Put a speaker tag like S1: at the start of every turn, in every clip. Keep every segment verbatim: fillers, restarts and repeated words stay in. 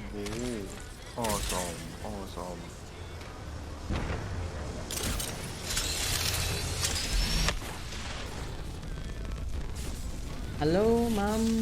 S1: โอ้อ้อซอมอ้อซอม
S2: ฮัลโหลมัม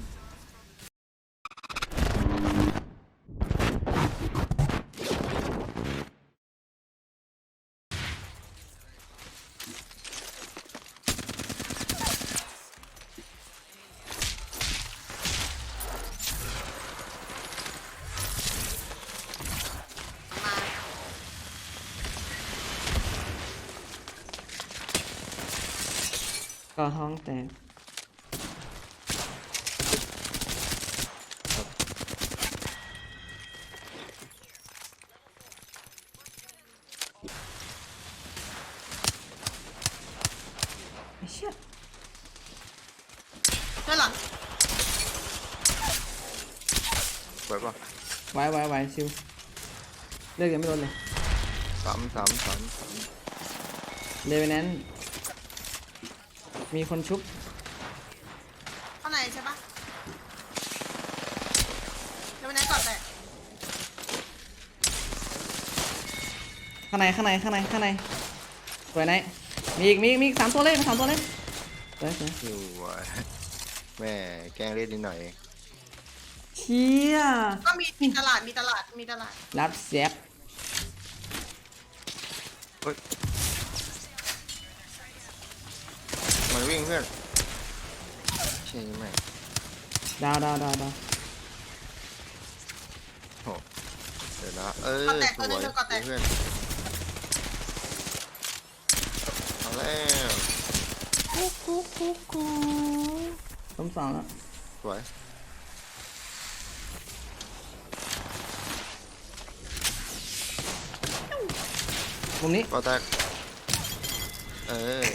S2: ก็ท้องแตกไอ้เชี่ย
S3: ด้านหลัง
S1: ไว้ป่ะ
S2: ไว้ไว้ไว้ชิวเลือกยังไม่ลดเลย
S1: สามสามสามสาม
S2: เลเวนแนนมีคนชุบ
S3: ข้างในใช่ปะเดี๋ยววันนั้นก่อนแต่
S2: ข้างในข้างในข้างในข้างในสวยไหนมีอีกมีอีกมีอีกสามตัวเลยสามตัวเลยสวยสวย
S1: อยู่วะแม่แกล้งเล่นนิดหน่อย
S2: เชี่ย
S3: ก็มีมีตลาดมีตลาดมีตลาด
S2: รับเสียบ
S1: เฮ้ยมันวิ่งเพื่อนใช่ไหม
S2: ดาวดาวดาวดาว
S1: โอ้เดี๋ยวนะเออสวยเพื่อนเอาแล้ว
S2: กุ๊กกุ๊กกุ๊กกุ๊กล้มสองแล้ว
S1: สวย
S2: มุมนี้
S1: ก็แตกเออ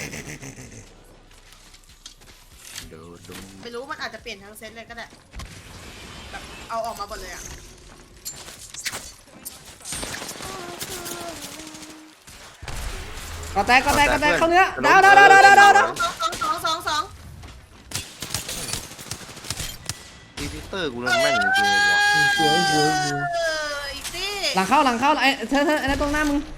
S1: ดูดู
S3: ไม่รู้มันอาจจะเปลี่ยนทั้งเซตเลยก็ได้แบบเอาออกมาหมดเลยอ่ะ
S2: ก็แตกก็แตกก็แตกเข้าเนื้อดาวดาวดาวดาวดาวดาวดาว
S3: สองสองสองสองสอง
S1: อีพิเตอร์กูเล่นแม่นจริงๆเลยวะ
S2: สวยสวยสวย
S3: เอออีกสิ
S2: หลังเข้าหลังเข้าไอ้เธอเธอไอ้นั่นตรงหน้ามึง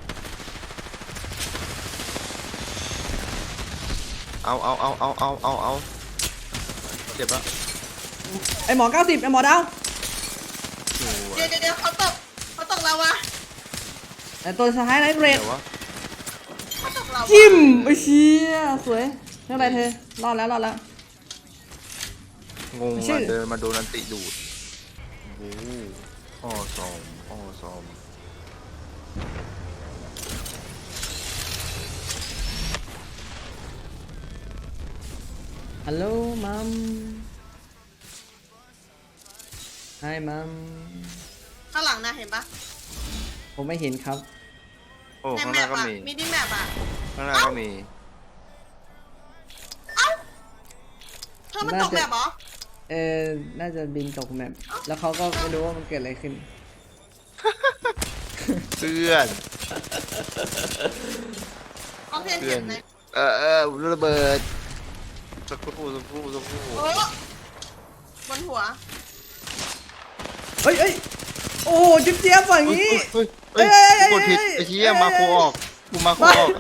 S1: เอาเอาเอาเอาเอาเอาเอาเจ็บละ
S2: ไอ้หมอเก้าสิบไอ้หมอดาว
S1: สวย
S3: เดี๋ยวเดี๋ยวเดี๋ยวเขาตกเขาตกเราวะ
S2: ไอ้ตัวสุดท้ายไนท์เรด
S1: เดี๋ยววะ
S3: เขาตกเราวะ
S2: จิ้มไอ้เชี่ยสวยเท่าไรเธอรอดแล้วรอดแล้ว
S1: งง
S2: ชื่
S1: อ่ะ
S2: อ
S1: เดินมาโดนอันติดูดโอ้อ้อซอมอ้อซอม
S2: ฮัลโหลมัมไฮมัม
S3: ข้างหลังนะเห็นปะ
S2: ผมไม่เห็นครับ
S1: โอ้
S3: ใน
S1: ข้างห
S3: แม
S1: น้า
S3: ป
S1: ก็
S3: อะ
S1: มี
S3: มินิแมปอะ
S1: ข้างหน้าก็มี
S3: เอ้าเธอมันตกแมปเหรอ
S2: เออน่าจะบินตกแมปแล้วเขาก็ไม่รู้ว่ามันเกิดอะไรขึ้น
S1: เพื่อน
S3: ออกเทน
S1: เพื่อ
S3: เห็
S1: น
S3: นไหม
S1: เออเออระเบิดสักครู่สักครู่สักครู่
S3: โอ้บนหัว
S2: เฮ้ยเฮ้ยโอ้จิ๊บเจี๊ยบอย่างนี้
S1: เฮ้ยเฮ้ยเฮ้ยกดผิดไอ้เหี้ยมาโคออกกูมาโคออก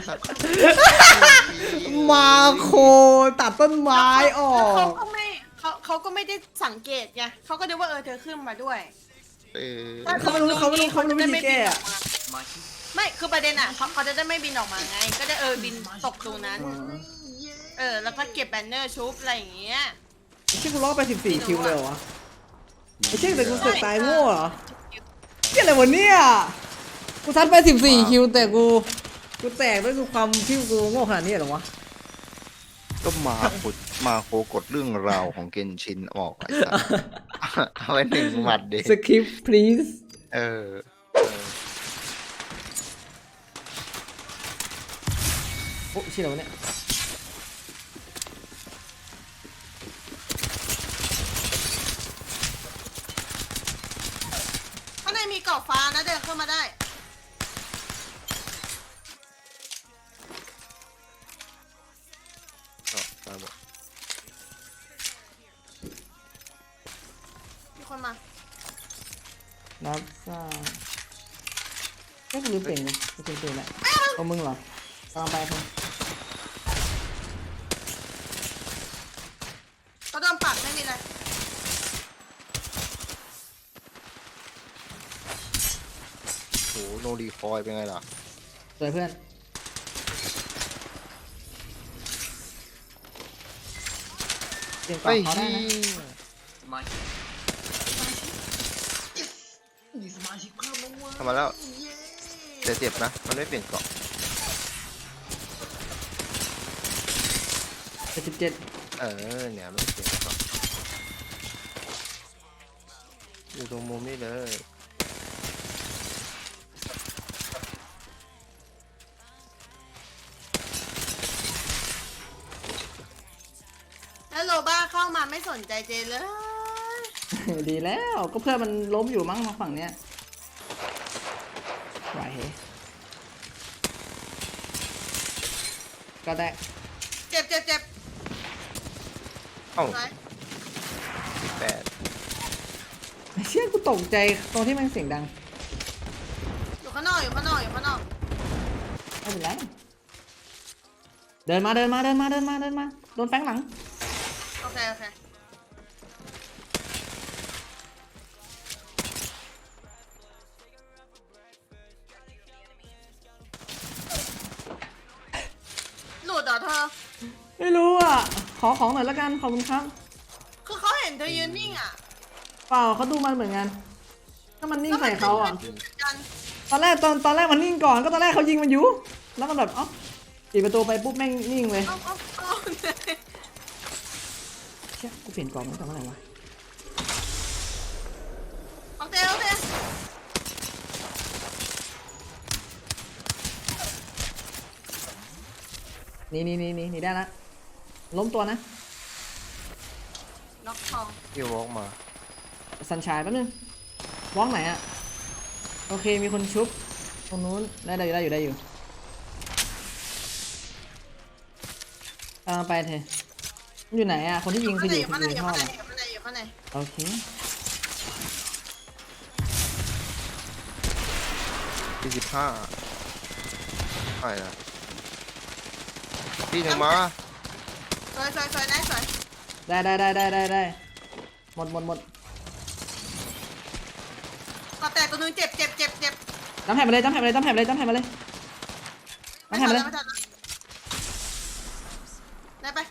S2: มาโคตัดต้นไม้ออ
S3: แล้วเขา
S2: ก
S3: ก็ไม่เขาเขาก็ไม่ได้สังเกตไงเขาก็นึกว่าเออเธอขึ้นมาด้วย
S1: เออ
S2: เขาไม่รู้เขาไม่รู้เขาไม่รู้วิธีแก้อะ
S3: ไม่คือประเด็นอ่ะเขาเขาจะได้ไม่บินออกมาไง ก็ได้เออบินตกตรงนั้น เออแล้วก็เก็บแบนเนอร์ชุบอะไรอย่างเงี้ย
S2: ไอ้เชี่ยกูรอดไปสิบสี่คิวเลยเหรอวะไอ้เชี่ยแต่กูเสือกตายโง่เหรอเชี่ยอะไรวะเนี่ยกูซัดไปสิบสี่คิวแต่กูกูแตกด้วยความที่กูโง่ขนาดนี้เหรอวะ
S1: ก็มาขุดมาโคกดเรื่องราวของเกนชินออกไอ้สัสเอาไว้หนึ่งหมัดเด็
S2: สคริปต์ please
S1: เออเออ
S2: โอ้เชี่ยอะไรวะเนี่ย
S3: ข้างในมีกรอบฟ้านะเดินเข้ามาได้
S1: เอาตายหมด
S3: มีคนมา
S2: รับทราบแค่กูลืมเปลี่ยนเลยกูเปลี่ยนเปลี่ยนแหละเอามึงเหรอตามไปเถอะ
S3: เขาโดนปักไม่มีอะไร
S1: โหโนรีคอยเป็นไงล่ะ
S2: สวยเพื่อนเปลี่ยนกล่อ
S1: ไอ้
S2: งเขาได้
S1: เหี้
S2: นะ
S1: ยทำมาแล้วแต่เจ็บนะ มันไม่เปลี่ยนเกราะ
S2: เจ็ดสิบเจ็ด
S1: เออเนี่ยไม่เปลี่ยนเกราะอยู่ตรงมุมนี้เลย
S3: แล้วโลบ้าเข้ามาไม่สนใจเจเลย
S2: ดีแล้วก็เพื่อนมันล้มอยู่มั้งมาฝั่งเนี้ยไหวเหก็ได้
S3: เจ็บเจ็บเจ็บ
S1: เอ้า
S3: ไหน
S1: แปด
S2: เชี่ยกูตกใจตรงที่มันเสียงดัง
S3: อยู่ข้างนอกอยู่ข้างนอกอยู่ข้างนอก
S2: ไม่เป็นไรเดินมาเดินมาเดินมาเดินมาเดินมาโดนแฟงหลัง
S3: โอเคโอเคหลุดเหรอเธอ
S2: ไม่รู้อ่ะขอของหน่อยละกันขอบคุณครับ
S3: คือเขาเห็นเธอยืนนิ่งอ่ะ
S2: เปล่าเขาดูมันเหมือนกันถ้ามันนิ่งใส่เขาอ่ะ
S3: แล้วมันก็ยืนกัน
S2: ตอนแรกตอนตอนแรกมันนิ่งก่อนก็ตอนแรกเขายิงมันอยู่แล้วมันแบบเอ้าปิดประตูไปปุ๊บแม่งนิ่งเลย
S3: เอาเอาเอา
S2: เชี่ยกูเปลี่ยนกล่องตั้งแต่เมื่อไหร่วะ
S3: เอาเตะเอาเตะ
S2: นี่นี่นี่นี่นี่ได้ละล้มตัวนะ
S3: ล็อกทอง
S1: ที่วอล์กมา
S2: สัญชายแป๊บนึงวอล์กไหนอะโอเคมีคนชุบตรงนู้นได้ได้อยู่ได้อยู่ได้อยู่ตามไปเถอะมันอยู่ไหนอะคนที่ยิงคืออยู่
S3: ข้างใน
S2: คือ
S3: อยู่
S2: อยู่
S3: ข้าง
S2: ใน
S3: ใน
S2: ท่อ
S3: อยู่ข้างในอยู่ข้างในอยู่ข้างใน
S2: โอเค
S1: ที่สิบห้าใช่นะที่หนึ่งมา
S3: สวยสวยสวยได้สวย
S2: ได้ได้ได้ได้ได้ได้หมดหมดหมด
S3: ก็แต่ตัวนึงเจ็บเจ็บเจ็บเจ็บ
S2: จำแผ่นมาเลยจำแผ่นมาเลยจำแผ่นมาเลยจำแผ่นมาเลย
S3: ไม่
S2: จำ
S3: ทั
S2: แผ่
S3: น
S2: นมาเล
S3: แล้ว
S2: ย
S3: ไม่ทันแล้วได้ไป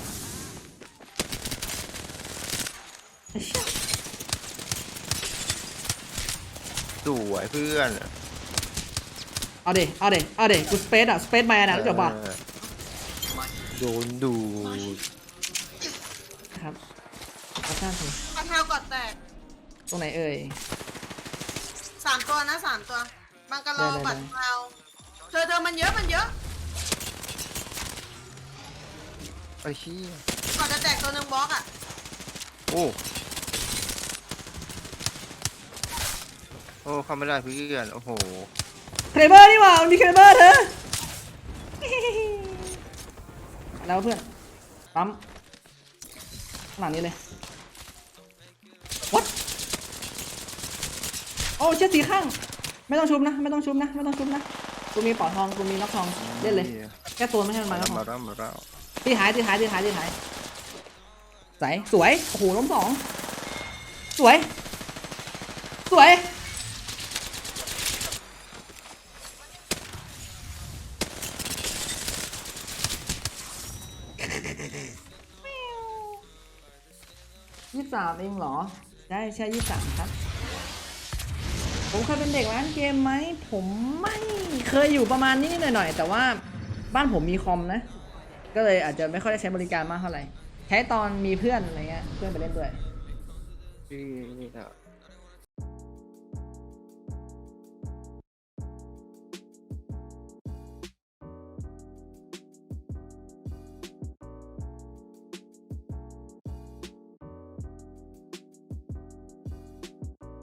S1: สวยเพื่อน
S2: เอาเดเอาเดเอาเดกูสเปซอะสเปซแมนอะรู้จักป่ะ
S1: เออโดนดูด
S2: ครับกระชากสิ
S3: กระเท้ากอดแตก
S2: ตรงไหนเอ่ย
S3: สามตัวนะสามตัวบังกะโล
S2: ได้ได้
S3: บัตรเทาเธอเธอมันเยอะมันเยอะ
S1: ไอ้เหี้ย
S3: ก่อนจะแตกตัวหนึ่งบล็อกอ่ะ
S1: โอ้โอ้เข้าไม่ได้เพื่อนโอ้โห
S2: เครเบอร์นี่หว่ามันมีเครเบอร์เธอ แล้วเพื่อนปั๊มข้างหลังนี้เลย what โอ้เชือกสีข้างไม่ต้องชุบนะไม่ต้องชุบนะไม่ต้องชุบนะกูมีปอดทองกูมีน็อกทองเล่นเลยแค่ตัวไม่ให้มันมา
S1: มา
S2: น็อกท
S1: แล้
S2: อ
S1: ว
S2: ง
S1: มาแล้วมาแล้ว
S2: ตีหายตีหายตีหายตีหายใสสวยโอ้โหล้มสองสวยสวยยี่สิบสามเองเหรอใช่ใช่ยี่สิบสามครับผมเคยเป็นเด็กร้านเกมไหมผมไม่เคยอยู่ประมาณนี้หน่อยๆแต่ว่าบ้านผมมีคอมนะ ก็เลยอาจจะไม่ค่อยได้ใช้บริการมากเท่าไหร่ใช้ตอนมีเพื่อนอะไรเงี้ยเพื่อนไปเล่นด้วย
S1: ที่นี่อะ